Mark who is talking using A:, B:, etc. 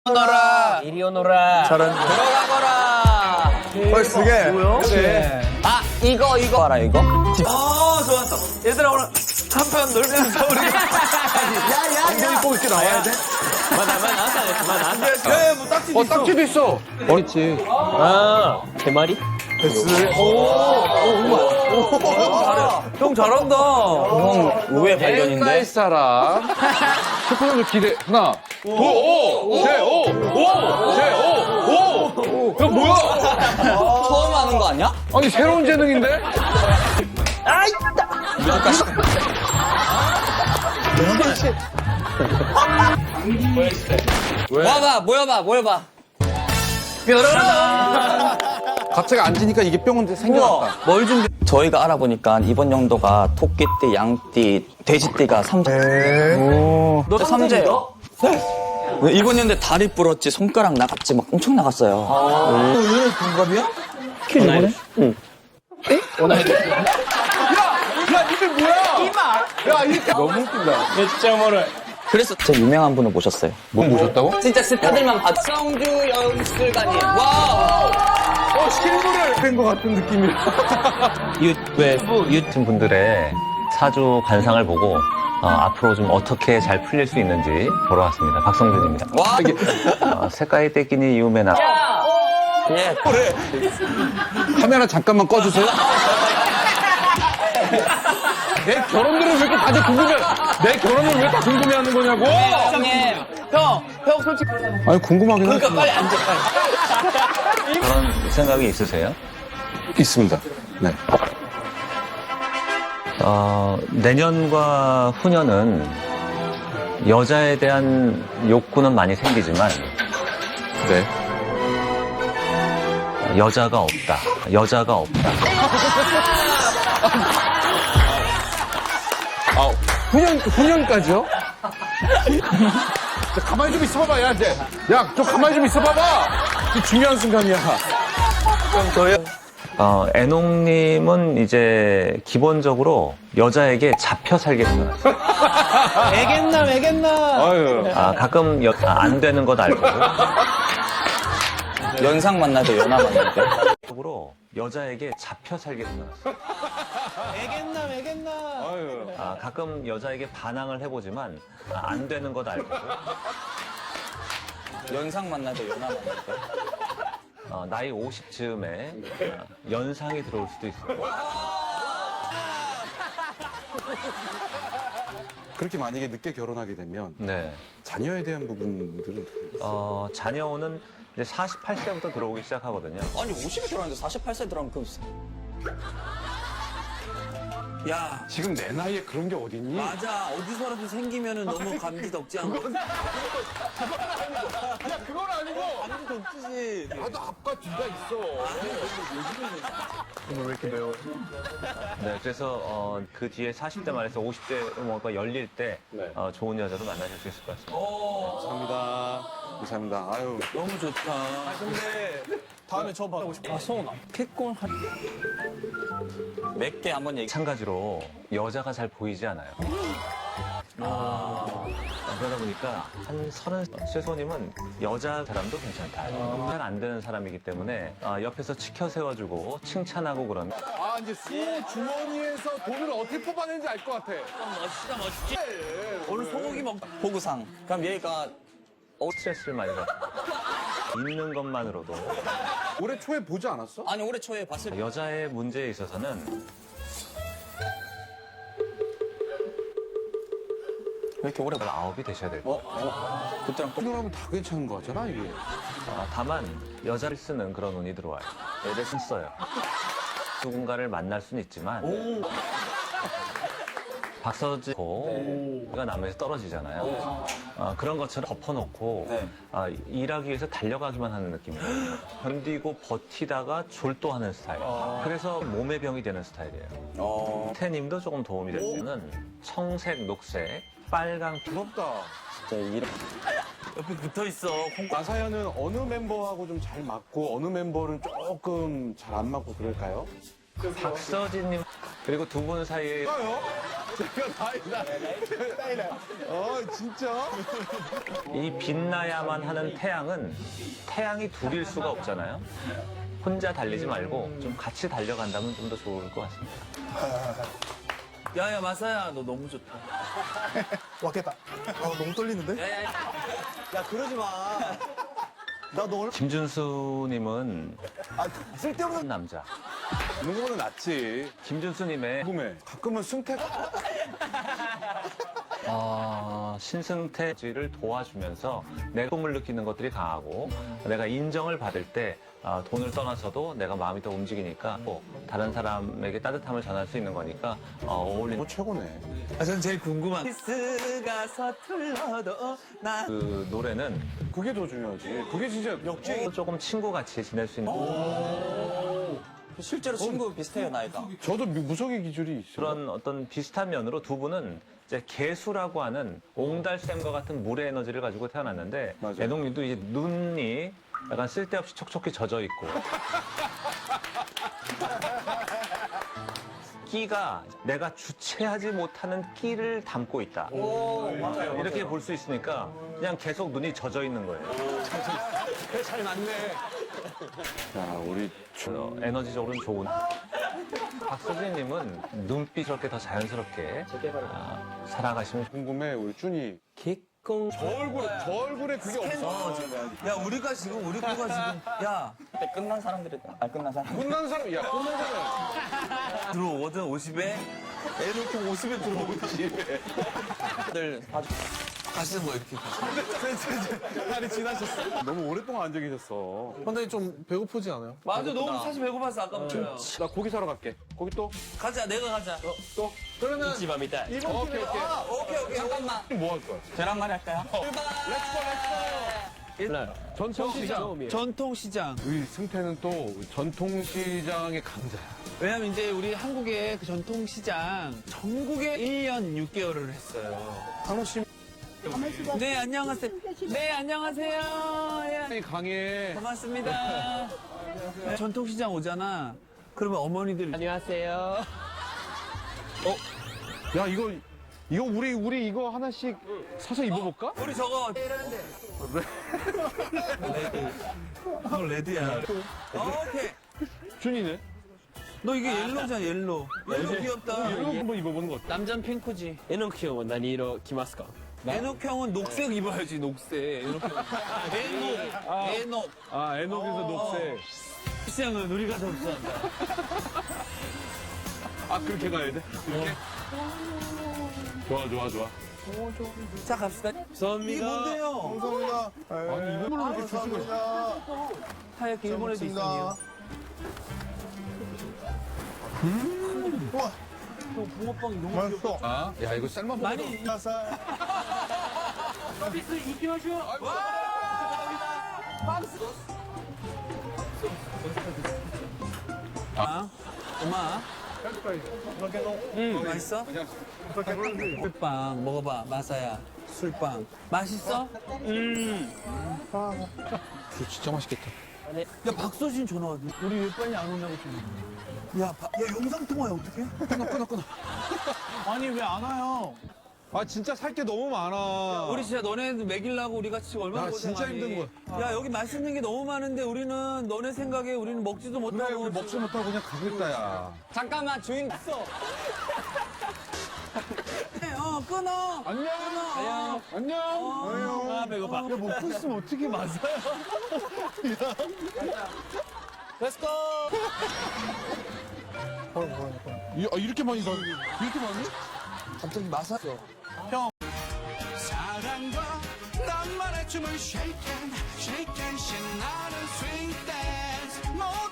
A: 오너라.
B: 이리 오너라.
A: 잘한다.
B: 들어가거라.
A: 벌써 두 개.
B: 그래. 아, 이거 알아, 이거?
A: 좋았어. 얘들아, 오늘 한편 놀면서 우리. 엉덩이 꼭 이렇게 나와야 돼? 야, 뭐 딱지도 있어.
C: 딱지도 있어.
B: 그렇지. 아, 대마리?
A: 형 잘한다.
B: 형, 의외
C: 옛날
B: 발견인데?
C: 사람. 슈퍼선수 기대. 하나, 둘, 오! 셋, 오! 오! 셋, 오! 오! 야, 뭐야?
B: 처음 하는 거 아니야?
C: 아니, 새로운 재능인데?
B: 모여봐.
C: 갑자기 앉으니까 이게 뿅 생겨났다.
B: 뭘 준비? 저희가 알아보니까 이번 연도가 토끼띠, 양띠, 돼지띠가 삼재.
A: 너
B: 삼재요? 네. 이번 연도에 다리 부러졌지, 손가락 나갔지, 막 엄청 나갔어요.
A: 너 얘네 동갑이야?
C: 야, 이게 뭐야? 야, 이게 너무 웃긴다.
B: 그래서 진짜 유명한 분을 모셨어요.
C: 뭐 모셨다고?
B: 진짜 스타들만 봤. 성주 영술가님. 와.
C: 신부를 뺀것 같은 느낌이야.
D: 유튜브 분들의 사주 관상을 보고 앞으로 좀 어떻게 잘 풀릴 수 있는지 보러 왔습니다. 박성준입니다.
B: 와.
D: 색깔이 떼끼니 이우메나.
B: 예.
C: 카메라 잠깐만 꺼주세요. 내 결혼들을 왜 이렇게 다들 궁금해? 내 결혼을 왜 이렇게 궁금해하는 거냐고?
B: 형님. 형 솔직히.
C: 아니 궁금하긴 하지.
B: 빨리 앉아, 빨리.
D: 그런 생각이 있으세요?
C: 있습니다. 네.
D: 내년과 후년은 여자에 대한 욕구는 많이 생기지만
C: 네.
D: 여자가 없다.
C: 후년까지요? 가만히 좀 있어봐봐, 야, 이제. 야, 좀 가만히 좀 있어봐봐! 이게 중요한 순간이야.
D: 애농님은 이제 기본적으로 여자에게 잡혀 살겠어요.
C: 아유.
D: 가끔 안 되는 것 알고.
B: 연상 만나도 연하 만나도.
D: 적으로 여자에게 잡혀 살겠어요.
C: 아유.
D: 가끔 여자에게 반항을 해보지만 안 되는 것 알고.
B: 연상 만나도 연하 만나도.
D: 나이 50즈음에 연상이 들어올 수도 있어요.
E: 그렇게 만약에 늦게 결혼하게 되면
D: 네.
E: 자녀에 대한 부분들은
D: 자녀는 이제 48세부터 들어오기 시작하거든요.
B: 아니, 50에 결혼했는데 48세 들어가면 그럼. 야.
E: 지금 내 나이에 그런 게 어딨니?
B: 맞아. 어디서라도 생기면은 너무 감지 덕지 않고.
C: 그건 아니고!
B: 감지 덕지지.
C: 나도 앞과 뒤가 있어.
D: 네, 그래서 그 뒤에 40대 말에서 50대 뭐가 열릴 때
E: 네.
D: 좋은 여자도 만나실 수 있을 것 같습니다.
E: 감사합니다. 아유.
B: 너무 좋다. 근데 다음에 저 받고 싶어. 성훈아. kết婚 몇 개 한번 얘기.
D: 마찬가지로 여자가 잘 보이지 않아요. 그러다 보니까 한 30, 최소님은 여자 사람도 괜찮다. 잘 안 되는 사람이기 때문에 옆에서 치켜 세워주고 칭찬하고 그러면
C: 이제 수호 주머니에서 돈을 어떻게 뽑아내는지 알 것 같아.
B: 멋지다. 오늘 소고기 먹. 보구상. 그럼 얘가
D: 스트레스를 많이 받고 있는 것만으로도
E: 올해 초에 보지 않았어?
B: 아니 올해 초에 봤을 때
D: 여자의 문제에 있어서는
B: 왜 이렇게 오래 봐?
D: 9이 되셔야 돼요.
B: 그때랑 또
E: 생각하면 다 괜찮은 거 같잖아, 이게.
D: 다만 여자를 쓰는 그런 운이 들어와요. 애를 써요. 누군가를 만날 수는 있지만 박서지가 남에서 떨어지잖아요. 그런 것처럼 덮어놓고
B: 네.
D: 일하기 위해서 달려가기만 하는 느낌이에요. 견디고 버티다가 졸도하는 스타일. 그래서 몸의 병이 되는 스타일이에요. 태님도 조금 도움이 될 수 있는 청색, 녹색, 빨강,
E: 부럽다.
B: 진짜 이런 옆에 붙어 있어.
E: 나사연은 어느 멤버하고 좀 잘 맞고 어느 멤버는 조금 잘 안 맞고 그럴까요?
D: 박서진님 그리고 두 분 사이에
E: 진짜?
D: 이 빛나야만 하는 태양은 태양이 둘일 수가 없잖아요. 혼자 달리지 말고 좀 같이 달려간다면 좀 더 좋을 것 같습니다.
A: 야야 마사야 너 너무 좋다.
F: 왔겠다. 너무 떨리는데?
A: 야야야.
F: 야, 그러지 마. 나 너 얼마
D: 김준수님은
F: 쓸데없는
D: 남자.
E: 있는 거는 낫지.
D: 김준수님의
E: 궁금해. 가끔은 승택.
D: 신승태지를 도와주면서 내 꿈을 느끼는 것들이 강하고 내가 인정을 받을 때 돈을 떠나서도 내가 마음이 더 움직이니까 또 다른 사람에게 따뜻함을 전할 수 있는 거니까 어울리는
E: 최고네.
A: 전 제일 궁금한. 키스가 서툴러도 나.
D: 그 노래는
E: 그게 더 중요하지. 그게 진짜
D: 조금 친구같이 지낼 수 있는
B: 실제로 친구 비슷해요, 나이가.
E: 저도 무속의 기질이 있어요.
D: 그런 어떤 비슷한 면으로 두 분은 이제 개수라고 하는 옹달샘과 같은 물의 에너지를 가지고 태어났는데
E: 맞아요.
D: 애동님도 이제 눈이 약간 쓸데없이 촉촉히 젖어 있고 끼가 내가 주체하지 못하는 끼를 담고 있다. 이렇게 볼 수 있으니까 그냥 계속 눈이 젖어 있는 거예요.
A: 잘 맞네.
E: 자, 우리
D: 에너지적으로는 좋은. 박서진님은 눈빛 저렇게 더 자연스럽게 살아가시면
E: 궁금해, 우리 준이.
A: 개꽁.
E: 저 얼굴에 그게 없어.
A: 야 우리가 지금 우리 거가 지금 야
B: 그때 끝난 사람들이, 끝난 사람.
E: 끝난 사람, 야, 끝난 사람.
A: 들어오거든 50에 애 놓고 50에 들어오거든.
B: 다들 아주
A: 가시는 거 이렇게.
E: 날이 지나셨어. 너무 오랫동안 앉아 계셨어.
F: 선생님 좀 배고프지 않아요?
A: 맞아 너무 사실 배고파서 아까부터.
E: 나 고기 사러 갈게. 고기 또?
A: 가자 내가 가자.
E: 또?
F: 그러면
B: 집합니다.
E: 오케이.
A: 오케이.
B: 잠깐만.
E: 뭐 할 거야?
B: 계란말이 할까요?
E: 전통시장.
A: 전통시장.
E: 우리 승태는 또 전통시장의 강자야.
A: 왜냐면 이제 우리 한국의 그 전통시장 전국에 1년 6개월을 했어요.
E: 강호 씨
A: 네 안녕하세요. 네 안녕하세요. 예,
E: 강해.
A: 반갑습니다. 전통시장 오잖아. 그러면 어머니들 안녕하세요.
E: 야, 이거 우리 이거 하나씩 사서 입어볼까?
A: 우리 저거 레드야. 오케이.
E: 준이네.
A: 너 이게 옐로잖아 옐로. 옐로 귀엽다.
E: 이거 한번 입어보는 거 어때?
A: 남자는 핑크지.
G: えのきょんは何色着ますか
A: 에녹 형은 녹색 입어야지 녹색. 에녹 형. 에녹.
E: 아, 에녹에서 녹색.
A: 시장은 우리가 접수한다.
E: 아, 그렇게 가야 돼? 이렇게? 좋아.
A: 자 갑시다. 이게 뭔데요?
F: 감사합니다.
E: 아니, 이거를 이렇게 줄 수가 있어.
A: 하얗게 일본에도 있으니요.
F: 우와,
A: 붕어빵이 너무
F: 맛있어.
E: 아, 야, 이거 쌀만 먹어.
A: 많이
F: 가사.
A: 서비스 이기마쇼. 엄마. 맛있어? 술빵 먹어봐 마사야. 술빵 맛있어?
E: 이거 진짜 맛있겠다.
A: 야 박서진 전화 왔네. 우리 왜 빨리 안 오냐고 전화. 야 영상 통화야 어떡해?
E: 끊어.
A: 아니 왜 안 와요?
E: 아, 진짜 살 게 너무 많아.
A: 우리 진짜 너네들 먹이려고 우리가 지금 얼마나
E: 나 진짜
A: 고생하니.
E: 힘든
A: 야 여기 맛있는 게 너무 많은데 우리는 너네 생각에 우리는 먹지도
E: 그래,
A: 못하고.
E: 우리 먹지 못하고 그냥 가겠다, 야.
B: 잠깐만, 주인 갔어.
A: 끊어.
E: 안녕. 안녕.
A: 아 배고파. 야 먹고 있으면 어떻게 맞아요? Let's go.
E: 이렇게 많이 사. 이렇게 많이?
A: 갑자기 마사죠.
H: 사랑과 낭만의 춤을 shake and shake and 신나는 swing dance